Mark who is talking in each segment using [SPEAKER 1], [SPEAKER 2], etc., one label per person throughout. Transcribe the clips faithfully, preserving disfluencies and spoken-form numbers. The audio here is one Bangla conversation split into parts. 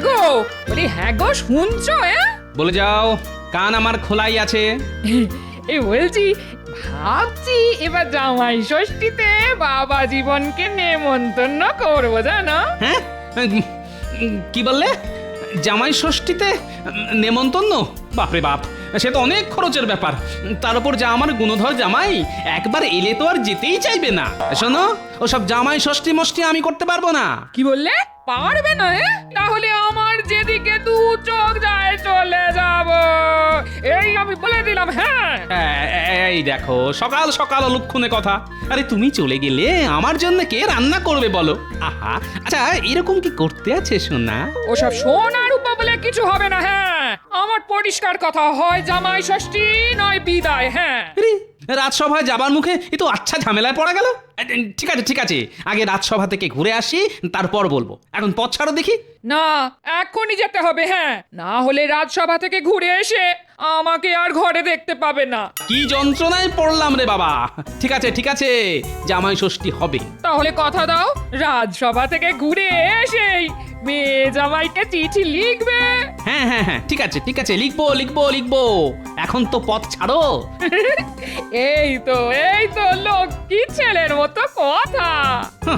[SPEAKER 1] গো, বলি হ্যাঁ গো, শুনছো? হ্যাঁ,
[SPEAKER 2] বলে যাও, কান আমার খোলাই আছে।
[SPEAKER 1] এই বলছি, ভাবছি এবার জামাই ষষ্ঠীতে বাবা জীবনকে নেমন্তন্ন করবো, জানো?
[SPEAKER 2] হ্যাঁ, উম, কি বললে? জামাই ষষ্ঠীতে নেমন্তন্ন? বাপরে বাপ, সে তো অনেক খরচের ব্যাপার। তার উপর যা আমার গুণধর জামাই, একবার এলে তো আর যেতেই চাইবে না। শোনো, ওসব জামাই ষষ্ঠী মষ্টি আমি করতে পারবো না।
[SPEAKER 1] কি বললে? পারবে না? হ্যাঁ, তাহলে আমার যেদিকে দু চোখ যায় চলে যাব, এই আমি বলে দিলাম। হ্যাঁ,
[SPEAKER 2] এ- এই দেখো, সকাল সকাল অলক্ষণে কথা। আরে তুমি চলে গেলে আমার জন্য কে রান্না করবে বলো? আহা, আচ্ছা এরকম কি করতে আছে সোনা?
[SPEAKER 1] ওসব সোনার উপা বলে কিছু হবে না। হ্যাঁ, আমার পরিষ্কার কথা, হয় জামাই ষষ্ঠী নয় বিদায়। হ্যাঁ,
[SPEAKER 2] আরে, রাজসভায় যাবার মুখে এ তো আচ্ছা ঝামেলায় পড়া গেল। এ, ঠিক আছে ঠিক আছে, আগে রাজসভা থেকে ঘুরে আসি, তারপর বলবো। এখন পথ ছাড়ো দেখি।
[SPEAKER 1] না, এখনই যেতে হবে। হ্যাঁ, না হলে রাজসভা থেকে ঘুরে এসে আমাকে আর ঘরে দেখতে পাবে না।
[SPEAKER 2] কি যন্ত্রণায় পড়লাম রে বাবা। ঠিক আছে ঠিক আছে, জামাই ষষ্ঠী হবে।
[SPEAKER 1] তাহলে কথা দাও, রাজসভা থেকে ঘুরে এসেই মেয়ে জামাইকে চিঠি লিখবে।
[SPEAKER 2] হ্যাঁ হ্যাঁ হ্যাঁ, ঠিক আছে ঠিক আছে, লিখবো লিখবো লিখবো। এখন তো পথ ছাড়ো।
[SPEAKER 1] এই তো এই তো লক্ষ্মী ছেলের মতো কথা।
[SPEAKER 2] হাহ,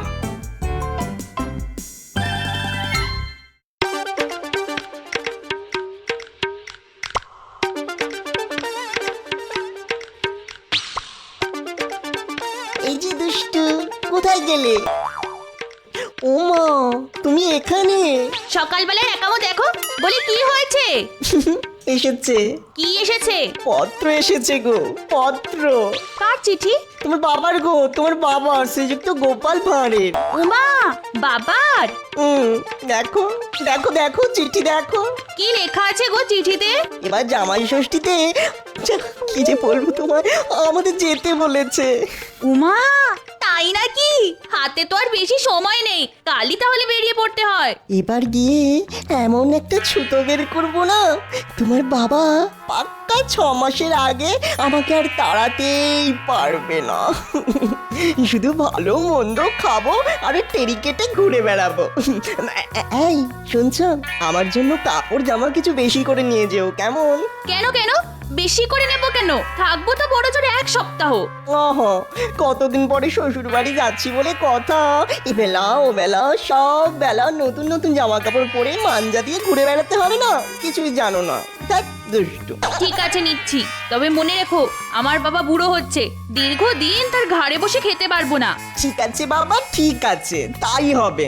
[SPEAKER 3] এই যে দুষ্টু, কোথায় গেলে? ওমা, তুমি এখানে?
[SPEAKER 4] সকালবেলায় একামো দেখো, বলি কি হয়েছে?
[SPEAKER 3] এসেছে,
[SPEAKER 4] কি এসেছে?
[SPEAKER 3] পত্র এসেছে গো, পত্র।
[SPEAKER 4] কার চিঠি?
[SPEAKER 3] তোমার বাবার গো, তোমার বাবার, শ্রীযুক্ত গোপাল ভাঁড়ের।
[SPEAKER 4] উমা, বাবার?
[SPEAKER 3] হুম, দেখো দেখো দেখো, চিঠি দেখো।
[SPEAKER 4] কি লেখা আছে গো চিঠিতে?
[SPEAKER 3] এবার জামাই ষষ্ঠীতে যা, কি যে বলবো তোমার, আমাদের যেতে বলেছে।
[SPEAKER 4] উমা, তাই নাকি? হাতে তো আর বেশি সময় নেই, কালই তাহলে বেরিয়ে পড়তে হয়।
[SPEAKER 3] এবার গিয়ে এমন একটা ছুতো বের করবো না, তোমার বাবা পাক্কা ছ মাসের আগে আমাকে আর তাড়াতেই পারবে না। শুধু ভালো মন্দ খাবো আর টেরি কেটে ঘুরে বেড়াবো। এই শুনছো, আমার জন্য কাপড় জামা কিছু বেশি করে নিয়ে যেও, কেমন?
[SPEAKER 4] কেন কেন বেশি করে নেব কেন? থাকবো তো বড় জোরে এক সপ্তাহ।
[SPEAKER 3] ওহ, কতদিন পরে শ্বশুর বাড়ি যাচ্ছি বলে কথা, এ বেলা ও বেলা সব বেলা নতুন নতুন জামা কাপড় পরে মাঞ্জা দিয়ে ঘুরে বেড়াতে হবে না, কিছুই জানো না। দেখ দুষ্টু।
[SPEAKER 4] ঠিক আছে নিচ্ছি, তবে মনে রেখো আমার বাবা বুড়ো হচ্ছে, দীর্ঘদিন তার ঘাড়ে বসে খেতে পারবো না।
[SPEAKER 3] ঠিক আছে বাবা, ঠিক আছে, তাই হবে।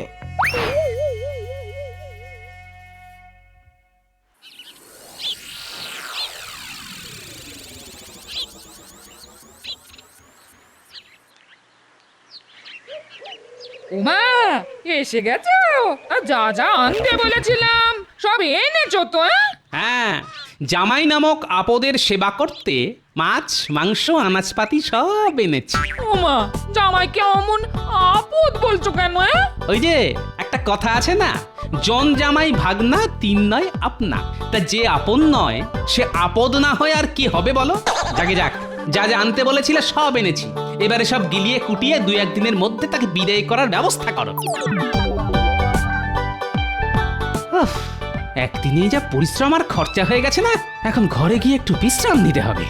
[SPEAKER 1] উমা, এসে গেছো? আর যা যা আনতে বলেছিলাম সব এনেছো তো? হ্যাঁ,
[SPEAKER 2] হ্যাঁ, জামাই নামক আপদের সেবা করতে মাছ মাংস আনাজপাতি সব এনেছি।
[SPEAKER 1] উমা, জামাইকে অমন আপদ বলছো কেন? হ্যাঁ,
[SPEAKER 2] ওই যে একটা কথা আছে না, জন জামাই ভাগনা তিন নয় আপনা। তা যে আপন নয় সে আপদ না হয় আর কি হবে বলো? যাকে যাক, যা যা আনতে বলেছিলে সব এনেছি। এবারে সব গিলিয়ে কুটিয়ে দুই একদিনের মধ্যে তাকে বিদায় করার ব্যবস্থা করো। উফ, একদিনে যা পরিশ্রম আর খরচা হয়ে গেছে না, এখন ঘরে গিয়ে একটু বিশ্রাম নিতে হবে।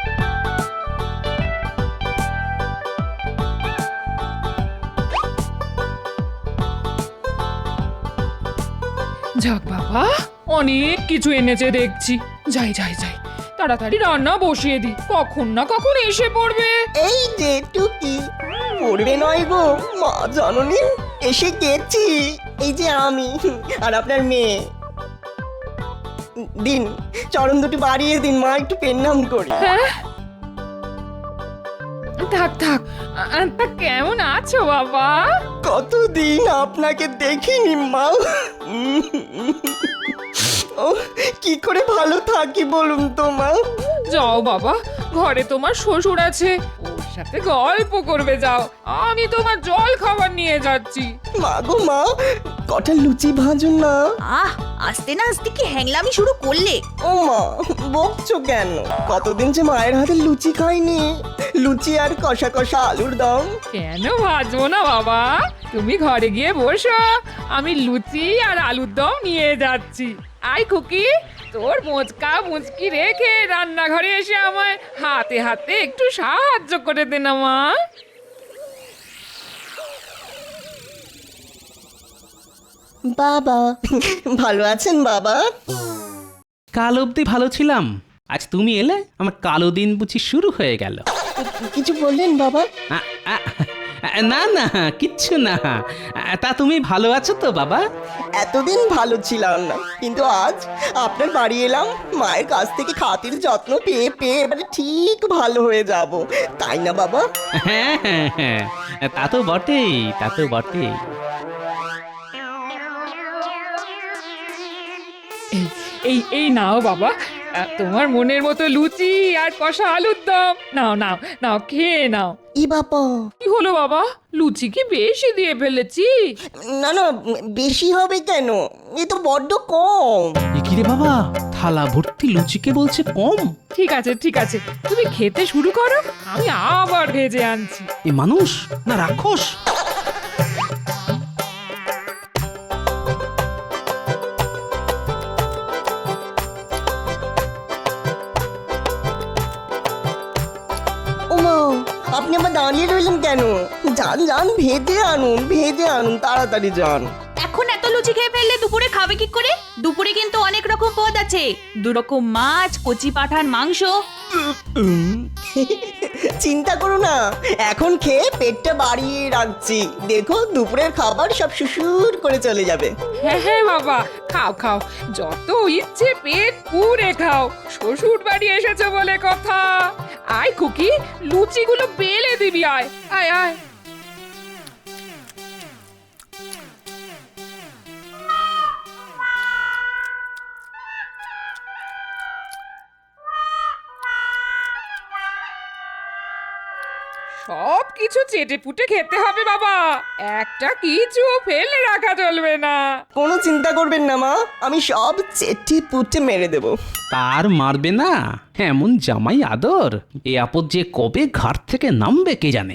[SPEAKER 1] যাক বাবা, অনেক কিছু এনেছে দেখছি। যাই যাই যাই, তাড়াতাড়ি রান্না বসিয়ে দি, কখন না কখন এসে পড়বে।
[SPEAKER 3] এই যে টুকি, পড়বে নয় গো মা জননী, এসে গেছি। এই যে আমি আর আপনার মেয়ে। দিন, চরণ দুটি বাড়িয়ে দিন মা, একটু পেন্নাম করি।
[SPEAKER 1] হ্যাঁ, থাক থাক। আ, তা কেমন আছো বাবা?
[SPEAKER 3] কতদিন আপনাকে দেখিনি মা। ও, কি করে ভালো থাকি বলুন তো মা।
[SPEAKER 1] যাও বাবা, ঘরে তোমার শ্বশুর আছে, ওর সাথে গল্প করবে যাও। আমি তোমার জল খাবার নিয়ে যাচ্ছি।
[SPEAKER 3] মা গো মা, কটা লুচি ভাজুন না।
[SPEAKER 4] আহ আস্তে না আস্তে কি হ্যাংলামি শুরু করলে?
[SPEAKER 3] ও মা, বকছো কেন? কতদিন যে মায়ের হাতে লুচি খাইনি। লুচি আর কষা কষা আলুর দম।
[SPEAKER 1] কেন ভাজবো না বাবা? তুমি ঘরে গিয়ে বসো, আমি লুচি আর আলুর দম নিয়ে যাচ্ছি। আই খুকি, তোর মোচকা মুচকি রেখে রান্নাঘরে এসে আমায় হাতে হাতে একটু সাহায্য করে দে না মা।
[SPEAKER 3] বাবা, ভালো আছেন বাবা?
[SPEAKER 2] কাল অবধি ভালো ছিলাম, আজ তুমি এলে আমার কালো দিন বুঝি শুরু হয়ে গেল।
[SPEAKER 3] কিছু বললেন বাবা?
[SPEAKER 2] আ, আ, না না কিচ্ছু না। তা তুমি ভালো আছো তো বাবা?
[SPEAKER 3] এতদিন ভালো ছিলাম না, কিন্তু আজ আপনার বাড়ি এলাম, মায়ের কাছ থেকে খাতির যত্ন পেয়ে পেয়ে এবারে ঠিক ভালো হয়ে যাব, তাই না বাবা?
[SPEAKER 2] হ্যাঁ হ্যাঁ হ্যাঁ, তা তো বটেই, তা তো বটেই।
[SPEAKER 1] এই এই এই নাও বাবা, আহ, তোমার মনের মতো লুচি আর কষা আলুর দম। নাও নাও নাও, খেয়ে নাও।
[SPEAKER 3] ই বাবা,
[SPEAKER 1] কি হলো বাবা, লুচি কি বেশি দিয়ে ফেলেছি?
[SPEAKER 3] না না, বেশি হবে কেন? এ তো বড্ড কম।
[SPEAKER 2] এ কি রে বাবা, থালা ভর্তি লুচিকে বলছে কম?
[SPEAKER 1] ঠিক আছে ঠিক আছে, তুমি খেতে শুরু করো, আমি আবার ভেজে আনছি।
[SPEAKER 2] এ মানুষ না রাক্ষস?
[SPEAKER 3] ওমা, আপনি আবার দাঁড়িয়ে রইলেন কেন? যান যান, ভেজে আনুন, ভেজে আনুন, তাড়াতাড়ি যান।
[SPEAKER 4] এখন এত লুচি খেয়ে ফেললে দুপুরে খাবে কি করে? দুপুরে কিন্তু অনেক রকম পদ আছে, দু রকম মাছ, কচি পাঠার মাংস।
[SPEAKER 3] চিন্তা করো না, এখন খেয়ে পেটটা বাড়িয়ে রাখছি, দেখো দুপুরের খাবার সব সুসুর করে চলে যাবে।
[SPEAKER 1] হ্যাঁ হ্যাঁ বাবা, খাও খাও, যত ইচ্ছে পেট পুরে খাও, শ্বশুর বাড়ি এসেছে বলে কথা। আয় খুকি, লুচিগুলো বেলে দিবি, আয় আয় আয়। সব কিছু চেটে পুটে খেতে হবে বাবা, একটা কিছু ফেলে রাখা চলবে না।
[SPEAKER 3] কোনো চিন্তা করবেন না মা, আমি সব চেটে পুটে মেরে দেব।
[SPEAKER 2] তার মারবে না, এমন জামাই আদর, এ আপদ যে কবে ঘাট থেকে নামবে কে জানে।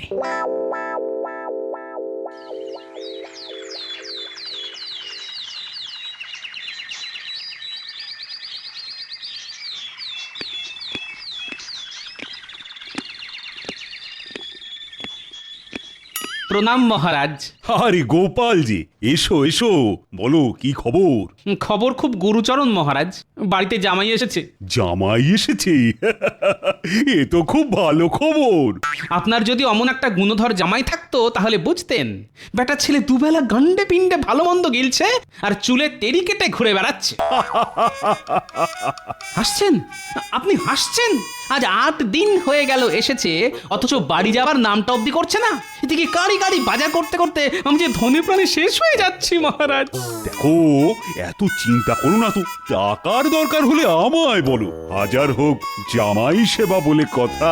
[SPEAKER 2] প্রণাম মহারাজ।
[SPEAKER 5] আরে গোপাল জি, এসো এসো, বলো কি খবর?
[SPEAKER 2] খবর খুব গুরুচরণ মহারাজ, বাড়িতে জামাই এসেছে।
[SPEAKER 5] জামাই এসেছে? এ তো খুব ভালো খবর।
[SPEAKER 2] আপনার যদি অমন একটা গুণধর জামাই থাকতো তাহলে বুঝতেন, বেটা ছেলে দুবেলা গান্ডে পিণ্ডে ভালো মন্দ গিলছে আর চুলে তেরি কেটে ঘুরে বেড়াচ্ছে। হাসছেন? আপনি হাসছেন? আজ আট দিন হয়ে গেল এসেছে, অথচ বাড়ি যাবার নামটা অব্দি করছে না। এদিকে গাড়ি গাড়ি বাজার করতে করতে আমি যে ধনে প্রাণে শেষ হয়ে যাচ্ছি মহারাজ।
[SPEAKER 5] দেখো, এত চিন্তা করো না তো, টাকার দরকার হলে আমায় বলো, হাজার হোক জামাই সেবা বলে কথা।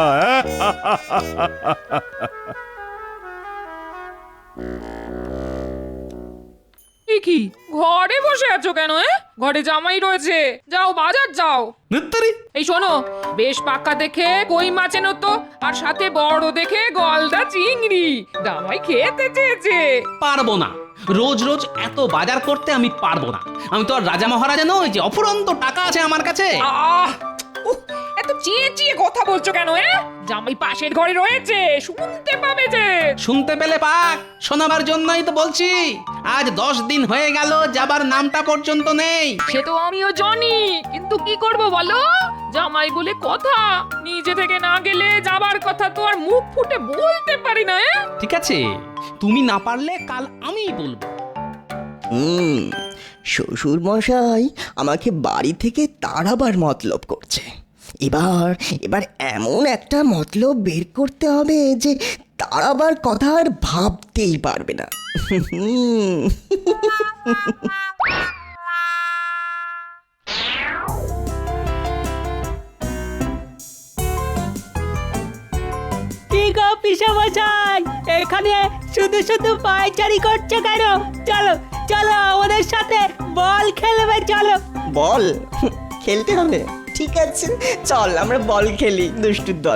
[SPEAKER 1] এ কি, ঘরে বসে আছো কেন? এ? ঘরে জামাই রয়েছে, যাও বাজার যাও।
[SPEAKER 2] ধুত্তরি।
[SPEAKER 1] এই শোনো, বেশ পাকা দেখে কই মাছ এনো তো, আর সাথে বড় দেখে গলদা চিংড়ি, জামাই খেতে চেয়েছে।
[SPEAKER 2] পারবো না, রোজ রোজ এত বাজার করতে আমি পারবো না। আমি তো আর রাজা মহারাজা নই যে অফুরন্ত টাকা আছে আমার কাছে।
[SPEAKER 1] আহ উহ, এত চেয়ে চেয়ে কথা বলছো কেন? এ জামাই পাশের ঘরে রয়েছে, শুনতে পাবে যে।
[SPEAKER 2] শুনতে পেলে পাক, শোনাবার জন্যই তো বলছি। আজ দশ দিন হয়ে গেল, যাবার নামটা পর্যন্ত নেই।
[SPEAKER 1] সে তো আমিও জানি, কিন্তু কি করব বলো, জামাই বলে কথা, নিজে থেকে না গেলে যাবার কথা তো আর মুখ ফুটে বলতে পারি না। এ?
[SPEAKER 2] ঠিক আছে, তুমি না পারলে কাল আমিই বলবো।
[SPEAKER 3] হুম, শ্বশুর মশাই আমাকে বাড়ি থেকে তাড়াবার মতলব করছে। এবার এবার এমন একটা মতলব বের করতে হবে যে তাড়াবার কথা আর ভাবতেই পারবে না। হুম।
[SPEAKER 6] কি গো পিসেমশাই, এখানে শুধু শুধু পায়চারি করছে কেন? চলো চলো আমাদের সাথে বল খেলবে চলো।
[SPEAKER 3] বল খেলতে হবে, ঠিক আছে চল আমরা বল খেলি দুষ্টুর দল।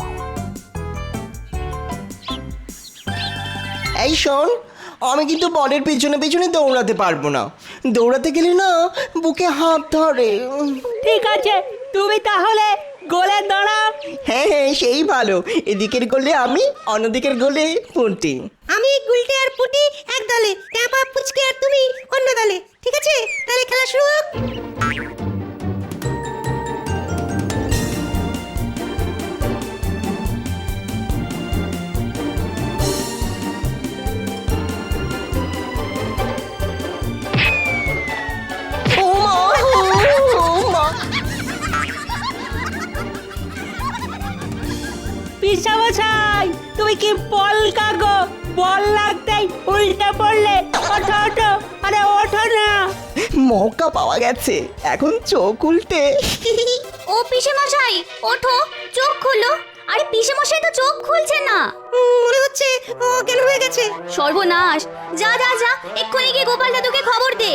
[SPEAKER 3] এই শোন, আমি কিন্তু বলের পেছনে পেছনে দৌড়াতে পারবো না, দৌড়াতে গেলে না বুকে হাত ধরে।
[SPEAKER 6] ঠিক আছে তুমি তাহলে গোলে দাঁড়াও।
[SPEAKER 3] হ্যাঁ হ্যাঁ সেই ভালো, এদিকের গোলে আমি, অন্যদিকের গোলে পুঁটি।
[SPEAKER 7] আমি গুলটে আর পুটি এক দলে, ট্যাপা পুচকে আর তুমি অন্য দলে, ঠিক আছে? তাহলে খেলা শুরু হোক।
[SPEAKER 3] ও মা, ও মা।
[SPEAKER 6] পিসামশাই তুমি কি বল কাগো, বল লাগতেই উল্টে পড়লে। ওঠো ওঠো, আরে ওঠো না।
[SPEAKER 3] মৌকা পাওয়া গেছে, এখন চোখ উল্টে।
[SPEAKER 7] ও পিসে মশাই ওঠো, চোখ খুলো। আরে পিসে মশাই তো চোখ খুলছে না, মনে হচ্ছে ও কেন হয়ে গেছে। সর্বনাশ, যা যা যা এক্ষুনি গিয়ে গোপাল দাদুকে খবর দে।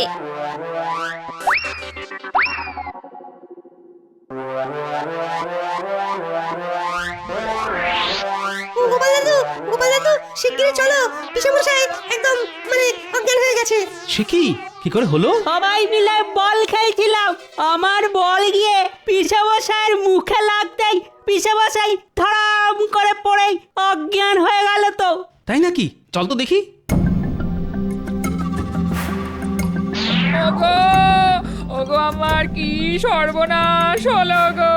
[SPEAKER 7] গোপাল দাদু, গোপাল দাদু শিগগিরই চলো, পিসে মশাই একদম মানে অজ্ঞান হয়ে গেছে।
[SPEAKER 2] সে কি কি করে হলো?
[SPEAKER 6] সবাই মিলে বল খেলছিলাম, আমার বল গিয়ে পিসামশাইয়ের মুখে লাগতেই পিসামশাই ধরাম করে পড়ে অজ্ঞান হয়ে গেল তো।
[SPEAKER 2] তাই নাকি? চল তো দেখি।
[SPEAKER 1] ওগো ওগো আমার কি সর্বনাশ হলো গো,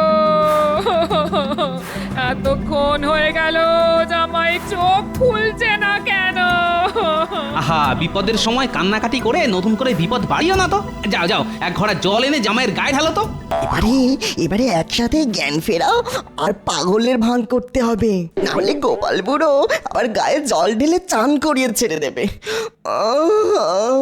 [SPEAKER 1] এতক্ষণ হয়ে গেল জামাই চোখ খুলছে না কেন?
[SPEAKER 2] আহা, বিপদের সময় কান্নাকাটি করে নতুন করে বিপদ বাড়িও না তো। যাও যাও, এক ঘড়া জল এনে জামাইয়ের গায়ে ঢালো তো।
[SPEAKER 3] এবারে এবারে একসাথে জ্ঞান ফেরাও আর পাগলের ভান করতে হবে, নাহলে গোপাল বুড়ো আবার গায়ে জল ঢেলে চান করিয়ে ছেড়ে দেবে। আহ!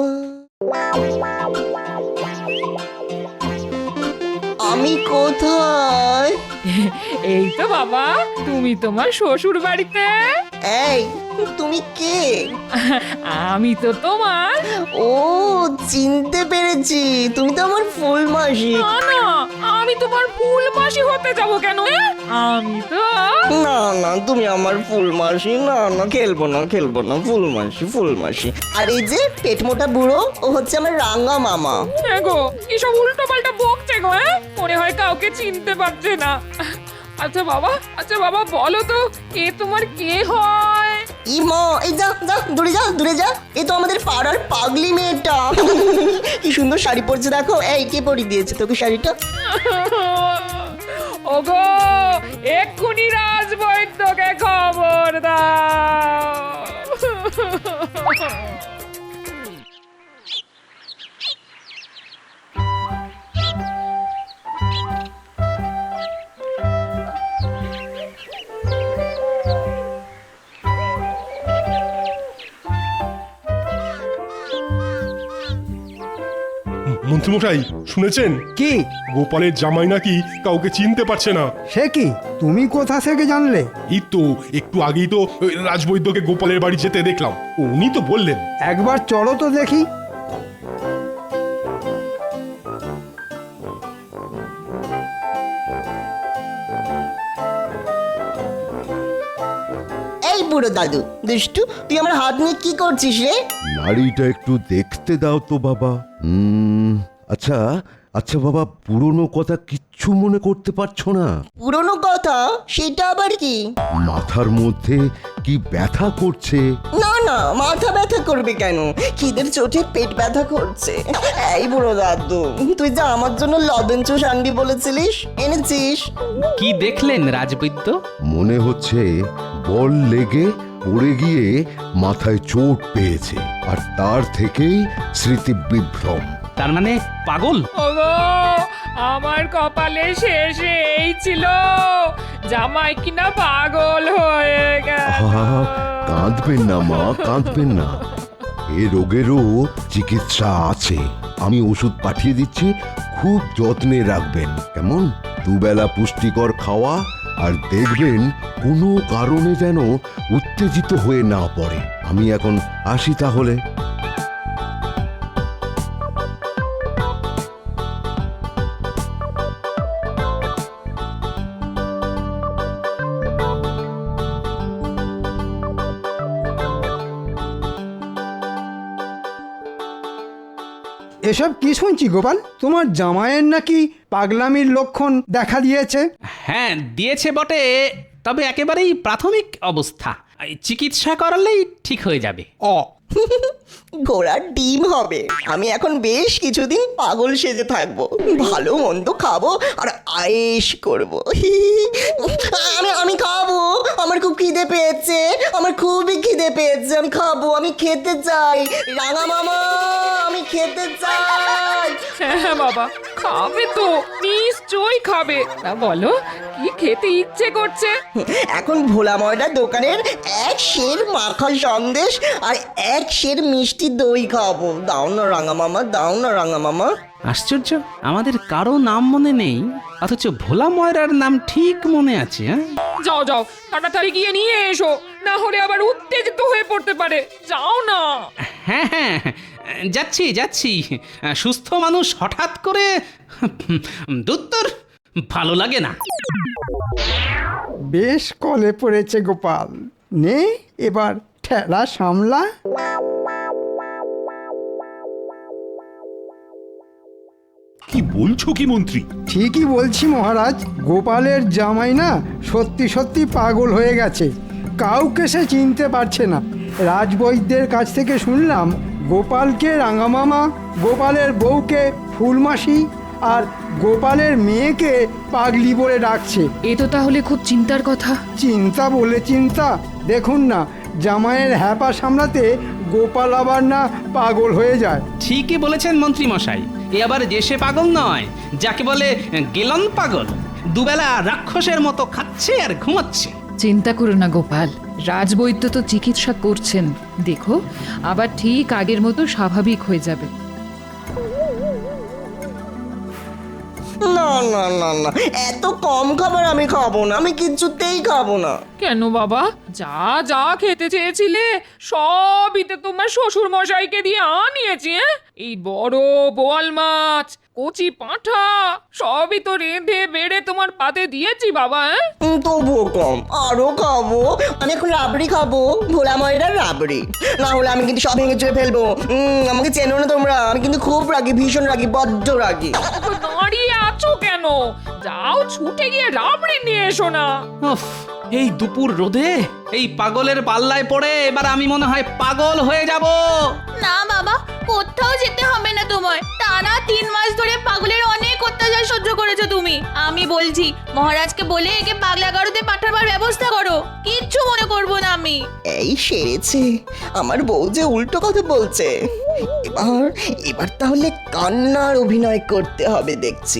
[SPEAKER 3] আমি কোথায়?
[SPEAKER 1] এই তো বাবা, তুমি তোমার শ্বশুর বাড়িতে।
[SPEAKER 3] এই তুমি কে?
[SPEAKER 1] আমি তো তোমার।
[SPEAKER 3] ও চিনতে পেরেছি, তুমি তো আমার ফুল মাসি।
[SPEAKER 1] না না, আমি তোমার ফুল মাসি হতে যাব কেন? এ? আমি তো
[SPEAKER 3] না না তুমি আমার ফুল মাসি, না না খেলবো না খেলবো না, ফুল মাসি ফুল মাসি। আর এই যে পেট মোটা বুড়ো, ও হচ্ছে আমার রাঙা মামা।
[SPEAKER 1] এ গো, এসব উল্টো পাল্টা বকছে গো। এ? মনে হয় কাউকে চিনতে পারছে না। আচ্ছা বাবা, আচ্ছা বাবা বলো তো, এ তোমার কে হয়?
[SPEAKER 3] ই মা, এই যা যা দূরে যা দূরে যা, এ তো আমাদের পাড়ার পাগলি মেয়েটা। কি সুন্দর শাড়ি পরছে দেখো। এই কে পরিয়ে দিয়েছে তোকে শাড়িটা?
[SPEAKER 1] ওগো, এক্ষুনি রাজবৈদ্যকে খবর দাও।
[SPEAKER 8] মন্ত্রীমশাই শুনেছেন
[SPEAKER 9] কি?
[SPEAKER 8] গোপালের জামাই নাকি কাউকে চিনতে পারছে না।
[SPEAKER 9] সে কি? তুমি কোথা থেকে জানলে?
[SPEAKER 8] এই তো একটু আগেই তো ওই রাজবৈদ্যকে গোপালের বাড়ি যেতে দেখলাম, উনি তো বললেন।
[SPEAKER 9] একবার চলো তো দেখি।
[SPEAKER 3] এই বুড়ো দাদু দুষ্টু, তুই আমার হাত নিয়ে কি করছিস রে?
[SPEAKER 10] নাড়িটা একটু দেখতে দাও তো বাবা। হুম, আচ্ছা আচ্ছা বাবা, পুরনো কথা কিচ্ছু মনে করতে পারছো না?
[SPEAKER 3] পুরনো কথা? সেটা আবার কি?
[SPEAKER 10] মাথার মধ্যে কি ব্যথা করছে?
[SPEAKER 3] না না, মাথা ব্যথা করবে কেন, খিদের চোটে পেট ব্যথা করছে। এই বুড়ো দাদু, তুই যা আমার জন্য লবণ চুষ আনবি বলেছিলিস, এনেছিস?
[SPEAKER 2] কি দেখলেন রাজবৈদ্য?
[SPEAKER 10] মনে হচ্ছে বল লেগে পড়ে গিয়ে মাথায় চোট পেয়েছে, আর তার থেকেই স্মৃতি বিভ্রম।
[SPEAKER 2] তার মানে পাগল?
[SPEAKER 1] ওগো, আমার কপালে শেষে এই ছিল, জামাই কিনা পাগল হয়ে গেল।
[SPEAKER 10] আহা, কাঁদবেন না মা, কাঁদবেন না। এ রোগেরও চিকিৎসা আছে, আমি ওষুধ পাঠিয়ে দিচ্ছি, খুব যত্নে রাখবেন কেমন? দুবেলা পুষ্টিকর খাওয়া, আর দেখবেন কোনো কারণে যেন উত্তেজিত হয়ে না পড়ে। আমি এখন আসি তাহলে।
[SPEAKER 9] এসব কি শুনছি গোপাল? তোমার জামাইয়ের নাকি পাগলামির লক্ষণ দেখা দিয়েছে?
[SPEAKER 2] হ্যাঁ দিয়েছে বটে, তবে একেবারেই প্রাথমিক অবস্থা। এই চিকিৎসা করালেই ঠিক হয়ে যাবে।
[SPEAKER 9] অ
[SPEAKER 3] ঘোড়ার ডিম হবে। আমি এখন বেশ কিছুদিন পাগল সেজে থাকবো, ভালো মন্দ খাবো আর আয়েশ করবো। আমি আমি খাবো, আমার খুব খিদে পেয়েছে, আমার খুবই খিদে পেয়েছে, আমি খাবো, আমি খেতে চাই। রাঙা মামা, আমি খেতে চাই।
[SPEAKER 1] হ্যাঁ বাবা, খাবে তো, নিশ্চয়ই খাবে। তা বলো, কি খেতে ইচ্ছে করছে?
[SPEAKER 3] এখন ভোলা ময়দার দোকানের এক সের মাখা সন্দেশ আর এক সের মিষ্টি দই খাবো। দাও না রাঙা মামা, দাও না রাঙা মামা।
[SPEAKER 2] আশ্চর্য, আমাদের কারো নাম মনে নেই, অথচ ভোলা ময়রার নাম ঠিক মনে আছে। হ্যাঁ
[SPEAKER 1] যাও যাও, তাড়াতাড়ি গিয়ে নিয়ে এসো, না হলে আবার উত্তেজিত হয়ে পড়তে পারে। যাও না।
[SPEAKER 2] হ্যাঁ হ্যাঁ যাচ্ছি যাচ্ছি। সুস্থ মানুষ হঠাৎ করে দুত্তর ভালো লাগে না।
[SPEAKER 9] বেশ কলে পড়েছে গোপাল, নে এবার ঠেলা সামলা।
[SPEAKER 5] কি বলছো কি মন্ত্রী?
[SPEAKER 9] ঠিকই বলছি মহারাজ, গোপালের জামাই না সত্যি সত্যি পাগল হয়ে গেছে, কাউকে সে চিনতে পারছে না। রাজবৈদ্যের কাছ থেকে শুনলাম গোপালকে রাঙামামা, গোপালের বউকে ফুলমাসি আর গোপালের মেয়েকে পাগলি বলে ডাকছে।
[SPEAKER 1] এ তো তাহলে খুব চিন্তার কথা।
[SPEAKER 9] চিন্তা বলে চিন্তা, দেখুন না জামাইয়ের হ্যাপা সামলাতে গোপাল আবার না পাগল হয়ে যায়।
[SPEAKER 2] ঠিকই বলেছেন মন্ত্রী মশাই, এ আবার যে সে পাগল নয়, যাকে বলে গেলন পাগল। দুবেলা রাক্ষসের মতো খাচ্ছে আর ঘুমাচ্ছে।
[SPEAKER 1] চিন্তা করো না গোপাল, রাজবৈদ্য তো চিকিৎসা করছেন, দেখো আবার ঠিক আগের মতো স্বাভাবিক হয়ে যাবে।
[SPEAKER 3] না না না না, এত কম খাবার আমি খাবো না, আমি কিছুতেই খাবো না।
[SPEAKER 1] কেন বাবা, যা যা খেতে চেয়েছিলে সবই তো তোমার শ্বশুর মশাইকে দিয়ে আনিয়েছি। হ্যাঁ, এই বড় বোয়াল মাছ, কচি পাঁঠা সবই তো রেঁধে বেড়ে তোমার পাতে দিয়েছি বাবা। হ্যাঁ,
[SPEAKER 3] উম, তবুও কম, আরো খাবো। আমি এখন রাবড়ি খাবো, ভোলা ময়দার রাবড়ি, না হলে আমি কিন্তু সব ভেঙে চুয়ে ফেলবো। উম, আমাকে চেনো না তোমরা, আমি কিন্তু খুব রাগি, ভীষণ রাগি, বড্ড রাগি।
[SPEAKER 1] তো দাঁড়িয়ে আছো কেন? যাও ছুটে গিয়ে রাবড়ি নিয়ে এসো না।
[SPEAKER 2] উফ, এই দুপুর রোদে এই পাগলের পাল্লায় পড়ে এবার আমি মনে হয় পাগল হয়ে যাব।
[SPEAKER 4] না বাবা, কোথাও যেতে হবে না তোমার। টানা তিন মাস ধরে পাগলের অনেক অত্যাচার সহ্য করেছো তুমি। আমি বলছি মহারাজকে বলে একে পাগলা গারদে পাঠাবার ব্যবস্থা করো, কিচ্ছু মনে করবো না আমি।
[SPEAKER 3] এই সেরেছে, আমার বউ যে উল্টো কথা বলছে। এবার এবার তাহলে কান্নার অভিনয় করতে হবে দেখছি।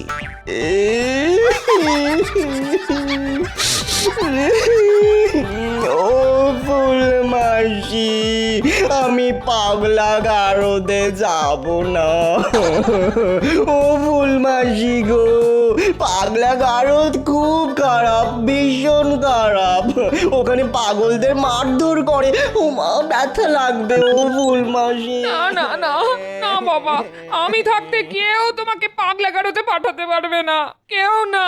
[SPEAKER 3] ও ফুল মাসি, আমি পাগলা গারদে যাব না। ও ফুল মাসি গো, পাগলা গারদ খুব খারাপ, ভীষণ খারাপ। ওখানে পাগলদের মারধর করে, ওমা ব্যথা লাগবে। ও ফুল মাসি,
[SPEAKER 1] না না না না বাবা, আমি থাকতে কেউ তোমাকে পাগলা গারদে পাঠাতে পারবে না, কেউ না।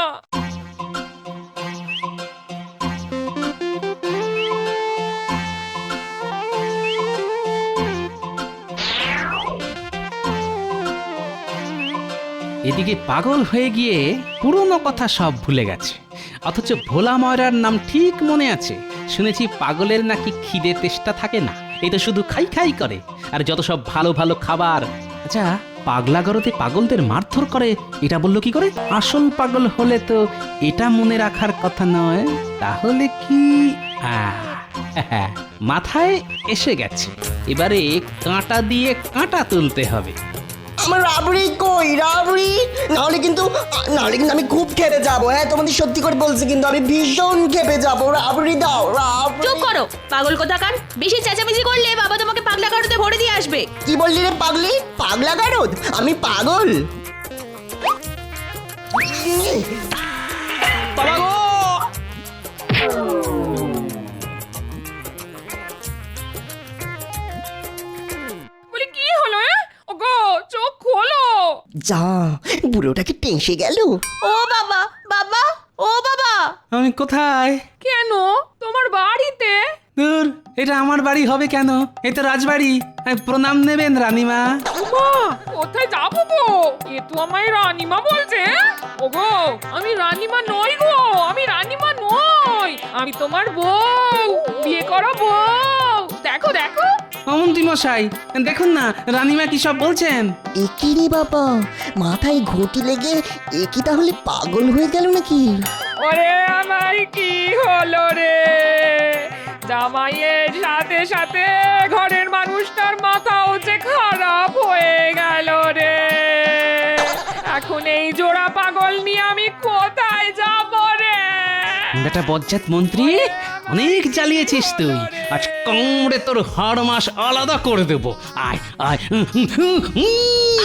[SPEAKER 2] এদিকে পাগল হয়ে গিয়ে পুরনো কথা সব ভুলে গেছে, অথচ ভোলা ময়রার নাম ঠিক মনে আছে। শুনেছি পাগলের নাকি খিদে তেষ্টা থাকে না, এই তো শুধু খাই খাই করে, আর যত সব ভালো ভালো খাবার। আচ্ছা, পাগলা গরতে পাগলদের মারধর করে এটা বললো কি করে? আসল পাগল হলে তো এটা মনে রাখার কথা নয়, তাহলে কি? আহ, মাথায় এসে গেছে, এবারে কাঁটা দিয়ে কাঁটা তুলতে হবে।
[SPEAKER 3] আমার রাবড়ি কই? রাবড়ি নাহলে কিন্তু নাহলে কিন্তু আমি খুব খেপে যাবো। হ্যাঁ, তোমাদের সত্যি করে বলছি, কিন্তু আমি ভীষণ খেপে যাবো। রাবড়ি দাও, রাবড়ি।
[SPEAKER 4] চুপ করো পাগল কোথাকার, বেশি চেঁচামেচি করলে বাবা তোমাকে পাগলা গারদে ভরে দিয়ে আসবে।
[SPEAKER 3] কি বললি রে পাগলি? পাগলা গারদ? আমি পাগল?
[SPEAKER 2] বাবা গো!
[SPEAKER 1] বলি কি হলো? এ ওগো, চোখ খোলো।
[SPEAKER 3] যা, বুড়োটাকে টেঁসে গেল।
[SPEAKER 4] ও বাবা, বাবা, ও বাবা।
[SPEAKER 2] আমি কোথায়?
[SPEAKER 1] কেন? তোমার বাড়িতে।
[SPEAKER 2] দূর, এটা আমার বাড়ি হবে কেন? এ তো রাজবাড়ি। প্রণাম নেবেন রানীমা।
[SPEAKER 1] ওমা, বাবা কোথায় যাবো গো? এ তো আমায় রানীমা বলছে। ওগো আমি রানীমা নই গো, আমি রানীমা নই, আমি তোমার বউ, বিয়ে করা বউ। দেখো দেখো।
[SPEAKER 2] মন্ত্রী মশাই দেখুন না রানীমা কি সব বলছেন।
[SPEAKER 3] একই রে বাবা, মাথায় ঘটি লেগে একই তাহলে পাগল হয়ে গেল নাকি?
[SPEAKER 1] ওরে আমার কি হলো রে? জামাইয়ের সাথে সাথে ঘরের মানুষটার মাথাও যে খারাপ হয়ে গেল রে। এখন এই জোড়া পাগল নিয়ে আমি কোথায় যাব রে?
[SPEAKER 2] বেটা বজ্জাত মন্ত্রী, অনেক জ্বালিয়েছিস তুই, আজ কামড়ে তোর হাড় মাস আলাদা করে দেব। আয় আয় উম, উম, উম, উম।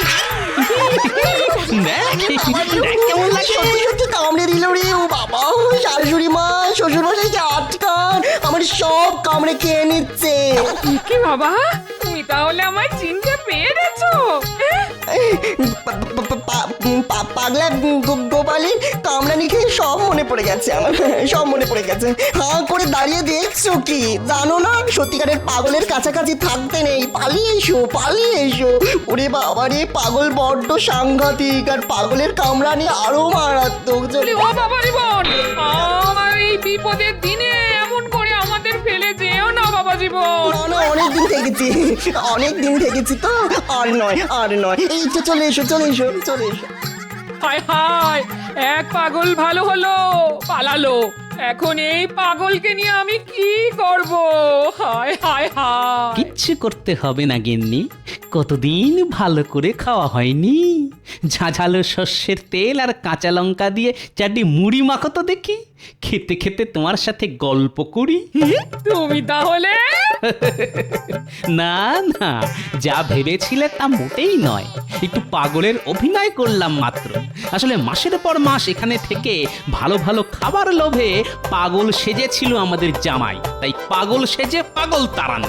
[SPEAKER 2] দেখ, দেখ কেমন লাগছে?
[SPEAKER 3] সত্যি সত্যি কামড়ে দিল রে ও বাবা। শাশুড়ি মা শ্বশুর মশাইকে আটকান, আমার সব কামড়ে খেয়ে নিচ্ছে।
[SPEAKER 1] কি বাবা, তুমি তাহলে আমায় চিনতে পেরেছো?
[SPEAKER 3] পা- পা- পা- পা- পাগলা গো- গোপালের কামড়ানি খেয়ে সব মনে পড়ে গেছে আমার, সব মনে পড়ে গেছে। হাঁ করে দাঁড়িয়ে দেখছো কি? জানো না সত্যিকারের পাগলের কাছাকাছি থাকতে নেই, পালিয়ে এসো পালিয়ে এসো। ওরে বাবা রে, পাগল বড্ড সাংঘাতিক, আর পাগলের কামড়ানি আরো মারাত্মক। চলে
[SPEAKER 1] ও বাবা রে বোন, আমার এই বিপদের দিনে এমন করে আমাদের ফেলে যেও না বাবা জীবন।
[SPEAKER 3] না না, অনেক দিন থেকেছি, অনেক দিন থেকেছি তো, আর নয় আর নয়। এই তো চলে এসো চলে এসো চলে এসো।
[SPEAKER 1] হায় হায়, এক পাগল ভালো হলো, পালালো। এখন এই পাগলকে নিয়ে আমি কি করব? হায় হায় হায়।
[SPEAKER 2] কিচ্ছু করতে হবে না গিন্নি, কতদিন ভালো করে খাওয়া হয়নি। ঝাঝালো শস্যের তেল আর কাঁচা লঙ্কা দিয়ে চারটি মুড়ি মাখো তো দেখি, খেতে খেতে তোমার সাথে গল্প করি।
[SPEAKER 1] তুমি তাহলে
[SPEAKER 2] না না, যা ভেবেছিলে তা মোটেই নয়, একটু পাগলের অভিনয় করলাম মাত্র। আসলে মাসের পর মাস এখানে থেকে ভালো ভালো খাবার লোভে পাগল সেজেছিল আমাদের জামাই, তাই পাগল সেজে পাগল তাড়ানো।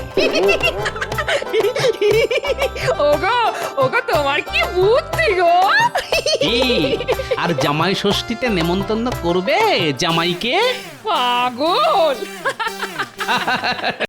[SPEAKER 1] ওগো ওগো, তোমার কি বুদ্ধি গো?
[SPEAKER 2] কি, আর জামাই ষষ্ঠীতে নেমন্তন্ন করবে জামাইকে?
[SPEAKER 1] পাগল।